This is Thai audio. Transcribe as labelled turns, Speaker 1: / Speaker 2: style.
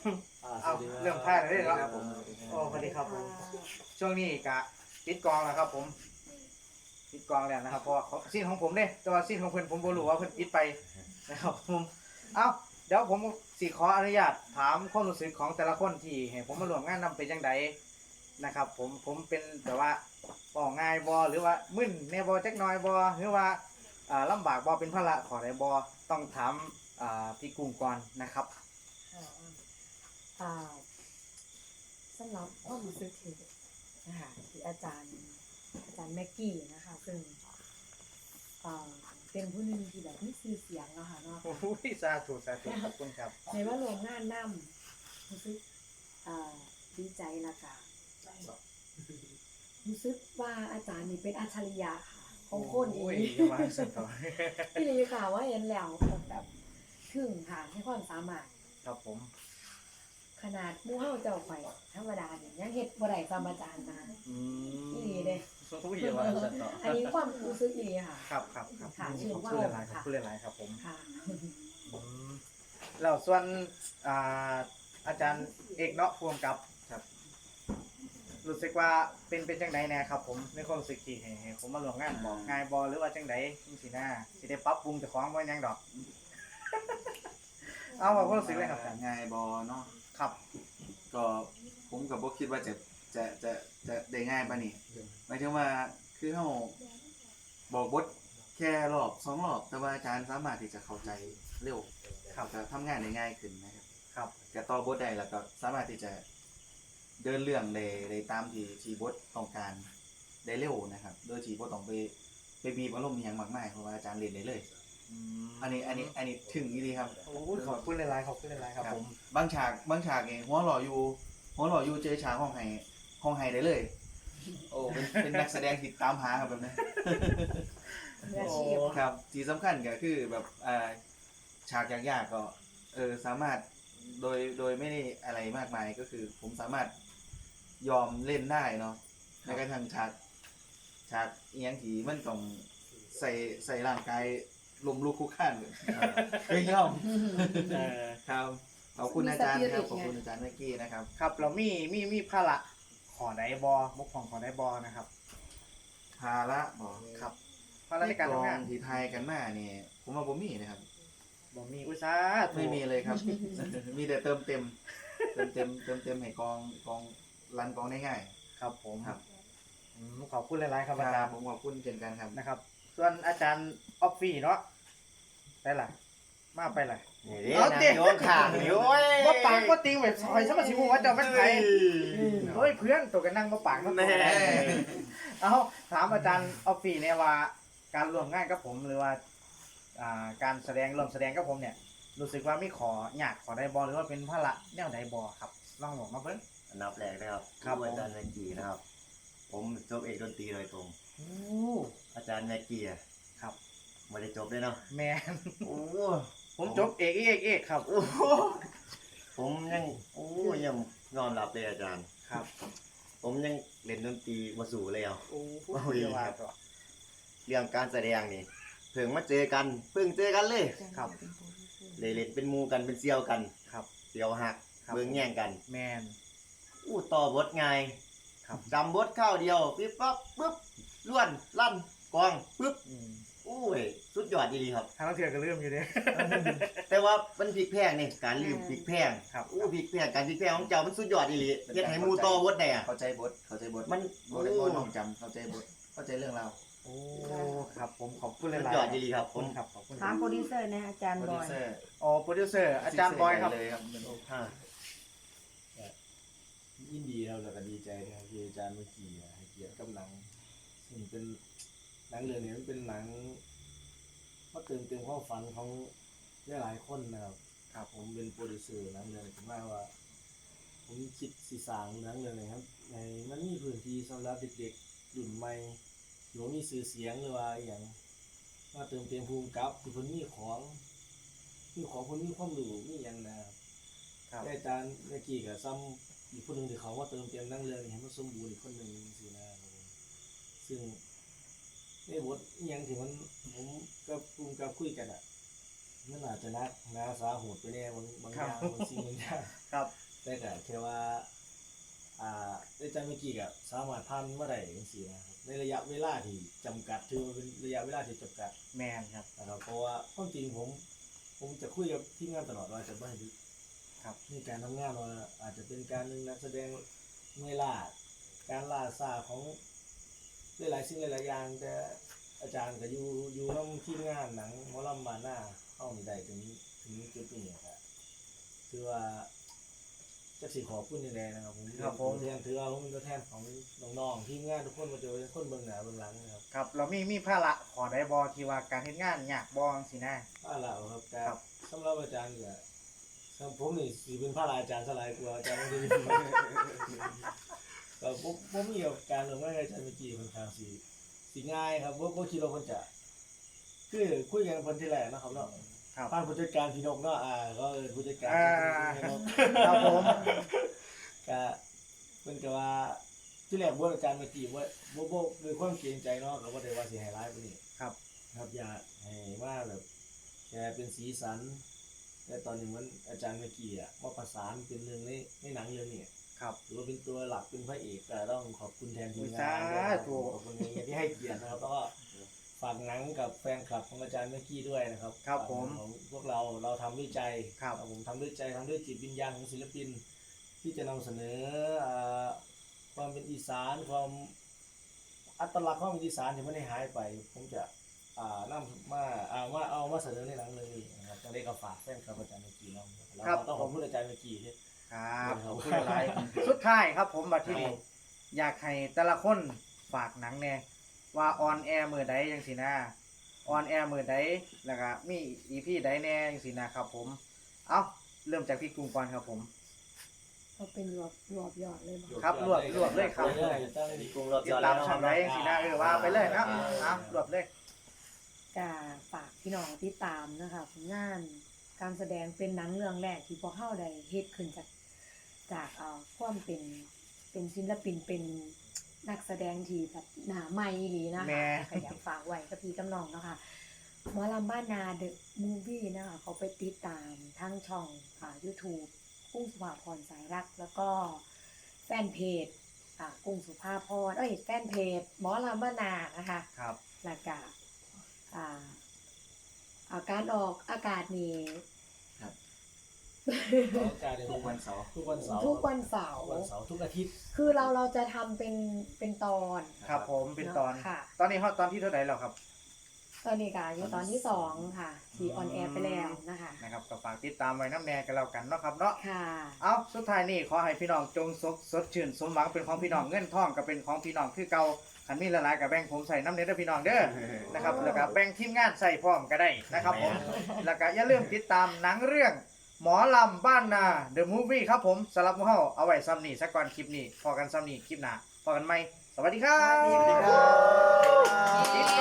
Speaker 1: เอาเรื่องพลาดเลยครับโอ้สวัสดีครับผมช่วงนี้กะปิดกองแล้วครับผมปิดกองแล้วนะครับเพราะว่าซีนของผมเนี่ยแต่ว่าซีนของเพิ่นผมบ่รู้ว่าเพิ่นปิดไปนะครับผมเอาเดี๋ยวผมสิขออนุญาตถามความรู้สึกของแต่ละคนที่ให้ผมมาร่วมงานนำเป็นจังไดนะครับผมเป็นแบบว่าบ่ง่ายบ่หรือว่ามึนแน่บ่จักหน่อยบ่หรือว่าลำบากบ่เป็นภาระขอได้บ่ต้องถามพี่กุ้งก่อนนะครับ
Speaker 2: อ่าสำหรับความรู้สึกที่นะคะที่อาจารย์แม็กกี้นะคะซึ่งเป็นผู้หนึ่งที่แบบมีชื่อเสียงนะคะเนาะ
Speaker 1: โอ้ยสาธุขอบคุณครับ
Speaker 2: ในว่าร่วมงานนำรู้สึกดีใจและก็รู้สึกว่าอาจารย์นี่เป็นอัจฉริยะค่ะของคนอี
Speaker 1: โอ้ย
Speaker 2: ก
Speaker 1: อย่าว่าสันต่อ
Speaker 2: พี่ลีค่ะว่าเห็นแล้วแบบถึงค่ะให้ความสามารถ
Speaker 1: ครับผม
Speaker 2: ขนาดหมู่เฮาเจ้าข่อยธรรมดาเนี่ยยังเฮ็ดบ่ได้ตามอาจารย์นะ
Speaker 1: อืม
Speaker 2: อีหลีเด้
Speaker 1: โอ้ยอย่าว่าสันต่อ
Speaker 2: อันนี้ความรู้สึกอีหลีค่ะ
Speaker 1: ครับ
Speaker 2: ค่ะ
Speaker 1: ขอบ
Speaker 2: ชื่อ
Speaker 1: คุณ
Speaker 2: ว่า
Speaker 1: หลายๆครับ
Speaker 2: ค่ะ
Speaker 1: พูดหลายๆครับผม
Speaker 2: ค่ะ
Speaker 1: อืมแล้วส่วนอ่าอาจารย์เอกเนาะพ่วงกับครับ รู้สึกว่าเป็นจังไดแน่ครับผมในความรู้สึกที่ให้ผมมาร่วมงานบอกง่ายบ่หรือว่าจังไดจังซี่นะสิได้ปรับปรุงเจ้าของบ่หยังดอก เอาว่าความรู้สึกเลยครับอาจารย์
Speaker 3: ง่ายบอเนาะ
Speaker 1: ครับ
Speaker 3: ก็ผมกับบ่คิดว่าจะได้ง่ายปานนี้หมายถึงว่าคือเฮาบอกบทแค่รอบสองรอบแต่ว่าอาจารย์สามารถที่จะเข้าใจเร็ว
Speaker 1: ครับ
Speaker 3: จะทำงานได้ง่ายขึ้นนะครับ
Speaker 1: ครับ
Speaker 3: จะต่อบทได้แล้วก็สามารถที่จะเดินเรื่องได้ตามที่บทต้องการได้เร็วนะครับโดยที่บ่ต้องไปบีบอารมณ์อหยังมากมายเพราะว่าอาจารย์เล่นได้เลย
Speaker 1: อืม
Speaker 3: อันนี้ถึงอีหลีครับ
Speaker 1: โอ้ยขอบคุณหลายๆครับผม
Speaker 3: บางฉากนี่หัวหล่ออยู่เจอฉากห้องไห้ได้เลย โอ้เป็นนักแสดงที่ตามหาครับแบบนี้
Speaker 2: มืออาชีพ
Speaker 3: ครับที่สำคัญก็คือแบบฉากยากๆก็สามารถโดยไม่ได้อะไรมากมายก็คือผมสามารถยอมเล่นได้เนาะในกระทั่งฉากเอียงที่มันต้องใส่ร่างกายลมลุกคลุกคลานก็ยอม ครับขอบคุณอาจารย์ครับขอบคุณอาจารย์เมื่อกี้นะครับ
Speaker 1: ครับเรามีภาระขอได้บอบกของขอได้บอนะครับ
Speaker 3: ภาระบอก
Speaker 1: ครับภาระในการทำงาน
Speaker 3: ที่ไทยกันมาเนี่ยผมว่าผมมีนะครับ
Speaker 1: บ่มีอุตสาห์
Speaker 3: ไม่มีเลยครับ มีแต่เติมเต็มให้กองรันกองได้ง่าย
Speaker 1: ครับผม
Speaker 3: ครับ
Speaker 1: ขอบคุณหลายๆครับอา
Speaker 3: ค
Speaker 1: จา
Speaker 3: รั
Speaker 1: ร
Speaker 3: บ
Speaker 1: ย์
Speaker 3: ผมขอบคุณเช่นกันครับ
Speaker 1: นะครับ ส่วนอาจารย์ออฟฟี่เนาะไปล่ะมาไปล่ะ
Speaker 4: นี่
Speaker 1: เอา
Speaker 4: นะ
Speaker 1: ดิ
Speaker 4: โยนข่างนี่โอ้ย
Speaker 1: บ่ปากบ่ติงแบบซอยซะมาสิฮู้ว่าเจ้าเป็นไผเฮ้ยเพื่อนตัวกันนั่งบ่ปากเนาะ
Speaker 4: แน่
Speaker 1: เอาถามอาจารย์ออฟฟี่เนี่ยว่าการร่วมงานกับผมหรือว่าการร่วมแสดงกับผมเนี่ยรู้สึกว่ามีขอยากขอได้บอหรือว่าเป็นภาระแนวใดบอครับลองบอกมาเบิ่ง
Speaker 4: อันดับแรกนะครับ
Speaker 1: ครับผม
Speaker 4: อาจารย์แม็กกี้นะครับ ผมจบเอกดนตรีโดยตรง
Speaker 1: โอ้
Speaker 4: อาจารย์แม็กกี้อะ
Speaker 1: ครับ
Speaker 4: ไม่ได้จบด้วยเนาะ
Speaker 1: แมน
Speaker 4: โอ้
Speaker 1: ผมจบเอกครับ
Speaker 4: โหผมยังยังยอมรับเลยอาจารย์
Speaker 1: ครับ
Speaker 4: ผมยังเล่นดนตรีมาสู่แล้ว
Speaker 1: โอ้
Speaker 4: โอ้ย
Speaker 1: เดี๋ยวว่าต่อ
Speaker 4: เรื่องการแสดงนี่เพิ่งมาเจอกันเพิ่งเจอกันเลย
Speaker 1: ครับ
Speaker 4: เลยเล่นเป็นหมูกันเป็นเซี่ยวกัน
Speaker 1: ครับ
Speaker 4: เซี่ยวหัก
Speaker 1: ครับ
Speaker 4: เบิ่งแย่งกัน
Speaker 1: แมน
Speaker 4: ต่อบทง่าย
Speaker 1: ครับ
Speaker 4: จำบทข้าวเดียวปิ๊บปั๊บปึ๊บล้วนลั่นกองปึ๊บ
Speaker 1: อืม
Speaker 4: อุ้ยสุดยอดดีครับ
Speaker 1: ทางนักเถื่อนก็ลืมอยู่เด้
Speaker 4: แต่ว่ามันพลิกแพงนี่การลืมพลิกแพง
Speaker 1: ครับ
Speaker 4: พลิกแพงการพลิกแพงของเจ้ามันสุดยอดดีหลีเฮ็ดให้หมูต่อบทได้อะ
Speaker 3: เข้าใจบท
Speaker 4: มัน
Speaker 3: บ่ได้บ่น้องจำเข้าใจบทเข้าใจเรื่องราว
Speaker 1: โอ้ครับผมขอบคุณห
Speaker 4: สุด
Speaker 1: ลายๆ
Speaker 4: ยอดดีหลีครับ
Speaker 1: ข
Speaker 4: ผ
Speaker 1: อบคุ
Speaker 4: ม
Speaker 1: ณครับขอบคุณ
Speaker 2: ถามโปรดิวเซอร์นะอาจารย์
Speaker 3: โปร
Speaker 2: บ
Speaker 3: ดิ
Speaker 2: อ
Speaker 3: วย เซอร์
Speaker 1: อ๋อโปรดิวเซอร์อาจารย์บอยครับ
Speaker 3: เลยครับ
Speaker 4: ฮะ
Speaker 5: ยินดีครับแล้วก็ดีใจนะครับที่อาจารย์เมื่อกี้ให้เกียรติกับหนังซึ่งเป็นหนังเรื่องนี้มันเป็นหนังมาเติมความฝันของหลายๆคนนะครับครับผมเป็นโปรดิวเซอร์หนังเรื่องนี้ผมว่า ผมคิดสีสร้างหนังเรื่องนี้ครับในมันมีพื้นที่สำหรับเด็กๆรุ่นใหม่หรือว่ามีสื่อเสียงหรือว่าอหย่างมาเติมเต็มภูมิกับที่คนคนมีความรู้มีอย่างนะครับ
Speaker 1: ครับ
Speaker 5: แต่อาจารย์เมื่อกี้กับซ้ำอีกคนหนึ่งที่เขาว่าเติมเต็มนั่งเรื่องให้มันสมบูรณ์อีกคนหนึ่งสินะครับผมซึ่งในบทอหย่างที่มันผมกับคุยกันอ่ะมันอาจจะนักนาสาหูดไปแน่บางอย่างบางสิ่งบางอย่าง
Speaker 1: ครับ
Speaker 5: แต่ก็แค่ว่าอาจารย์เมื่อกี้ก็สามารถผ่านมาได้จังซี่นะครับในระยะเวลาที่จำกัดถือว่าเป็นระยะเวลาที่จำกัด
Speaker 1: แมนครับ
Speaker 5: นะครับเพราะว่าความจริงผมจะคุยกับทีมงานตลอดว่าจะไม่ให้ดึก
Speaker 1: ครับ
Speaker 5: นี่การทำงานว่าอาจจะเป็นการหนึ่งนักแสดงเมื่อยล้าการล่าซาของหลายๆสิ่งหลายๆอย่างแต่อาจารย์ก็อยู่น้ำทีมงานหนังหมอลำบานหน้าเข้านี่ได้ถึงจุดนี้ครับคือว่าจะสิขอบคุณยังไงนะครับผม
Speaker 1: ครับผม
Speaker 5: ตัวแทนถือว่าผมเป็นตัวแทนของน้องๆทีมงานทุกคนมาเจอคนเบื้องหน้าเบื้องหลังนะครับ
Speaker 1: ครับเรามีภาระขอได้บอที่ว่าการเฮ็ดงานยากบอสินะ
Speaker 5: ว่าแล้วครับแต่
Speaker 1: ครับ
Speaker 5: สำหรับอาจารย์ก็สำหรับผมนี่สิเป็นพระอาจารย์สลายกว่าอาจารย์ไม่ได้ก็ผมมีกับการลงไม้อาจารย์เมื่อกี้ค่อนข้างสิง่ายครับบ่คิดว่าเพิ่นจะคือคุยกันเพิ่นที่แรกนะครับเนาะ
Speaker 1: ครับ
Speaker 5: ผ่านผู้จัดการพี่นกเนาะก็ผู้จัดการ พี่นก
Speaker 1: ครับผม
Speaker 5: ก็เพิ่นก็ว่าที่แรกบ่อาจารย์เมื่อกี้ว่าบ่ด้วยความเกรงใจเนาะก็บ่ได้ว่าสิให้ร้ายปานนี้
Speaker 1: ครับ
Speaker 5: ครับอยากให้ว่าแบบแค่เป็นสีสันแต่ตอนนี้มันอาจารย์เมื่อกี้มาประสานเป็นหนึ่งในหนังเรื่องนี้
Speaker 1: ครับ
Speaker 5: หรือว่าเป็นตัวหลักเป็นพระเอกก็ต้องขอบคุณแทนทีมงา
Speaker 1: สาน
Speaker 5: ด้วยนะครับ
Speaker 1: ธุ
Speaker 5: ขอบคุณที่ให้เกียรตินะครับแล้วก็ฝากหนังกับแฟนคลับของอาจารย์เมื่อกี้ด้วยนะครับ
Speaker 1: ครับผม
Speaker 5: ของพวกเราทำด้วยใจ
Speaker 1: ครับ
Speaker 5: ผมทำด้วยใจทำด้วยจิตวิญญาณของศิลปิน ที่จะนำเสนอความเป็นอีสานความอัตลักษณ์ความเป็นอีสานที่ไม่ได้หายไป ผมจะนำมาเอามาเสนอในหนังเรื่องนี้นะครับจะได้ก็ฝากแฟนคลับอาจารย์เมกีน้องแล้ว
Speaker 1: ครับ
Speaker 5: ก็ต้องขอบคุณอาจารย์เมกีที่
Speaker 1: ครับขอบคุณหลายสุดท้ายครับผมบัดที่นี้อยากให้แต่ละคนฝากหนังแน่ว่าออนแอร์มือใดจังสินะออนแอร์มือใดแล้วก็มีอีพีใดแน่จังสินะครับผมเอาเริ่มจากพี่กรุงก่อนครับผม
Speaker 2: เขาเป็นรวบยอดเลยบ่
Speaker 1: ครับรวบเลยครับ
Speaker 5: ตั้ง
Speaker 4: มีกรุงรอบ
Speaker 1: ติ
Speaker 4: ย
Speaker 1: ด
Speaker 4: อด
Speaker 1: ตา
Speaker 4: แล้
Speaker 1: ม
Speaker 4: ว
Speaker 1: ช่องใดจังสินะว่าไปเลยนะเอารวบเลย
Speaker 2: ก็ฝากพี่น้องติดตามนะคะผลงานการแสดงเป็นหนังเรื่องแรกที่พวกเฮาได้เฮ็ดขึ้นจากความเป็นศิลปินเป็นนักแสดงที่แบบหน้าใหม่อีหลีนะ
Speaker 1: แม่
Speaker 2: คะก็อยากฝากไว้กับพี่กับน้องเนาะค่ะหมอลำบ้านนาเดอะมูฟวี่นะคะเขาไปติดตามทั้งช่องYouTube กุ้งสุภาพรสายรักแล้วก็แฟนเพจกุ้งสุภาพรแฟนเพจหมอลำบ้านนานะคะ
Speaker 1: ครับ
Speaker 2: แล้วก็การออกอากาศนี่
Speaker 3: ทุกวันเสาร์
Speaker 5: ทุกวันเสาร์
Speaker 2: ทุกวันเสาร์
Speaker 5: ทุกอาทิตย์
Speaker 2: คือเราจะทำเป็นตอน
Speaker 1: ครับผมเป็นตอน
Speaker 2: ค่ะ
Speaker 1: ตอนนี้ตอนที่เท่าไหร่แล้วครับ
Speaker 2: ตอนนี้ก็อยู่ตอนที่2ค่ะที่ออนแอร์ไปแล้วนะคะ
Speaker 1: นะครับก็ฝากติดตามไว้น้ำแน่กันแล้วกันเนาะครับเนาะ
Speaker 2: ค่ะ
Speaker 1: เอาสุดท้ายนี่ขอให้พี่น้องจงสดชื่นสมหวังเป็นของพี่น้องเงินทองก็เป็นของพี่น้องคือเก่าขันมีละลายกับแบ่งผมใส่น้ำเนื้อพี่น้องเด้อนะครับแล้วก็แบ่งทีมงานใส่พร้อมก็ได้นะครับผมแล้วก็อย่าลืมติดตามหนังเรื่องหมอลำบ้านนา The Movie ครับผมสำหรับพวกเราเอาไว้ซ้ำนี่สักก่อนคลิปนี้พอกันซ้ำนี่คลิปหน้าพอกันไหมสวัสดีครับ
Speaker 2: สวัสดีครับ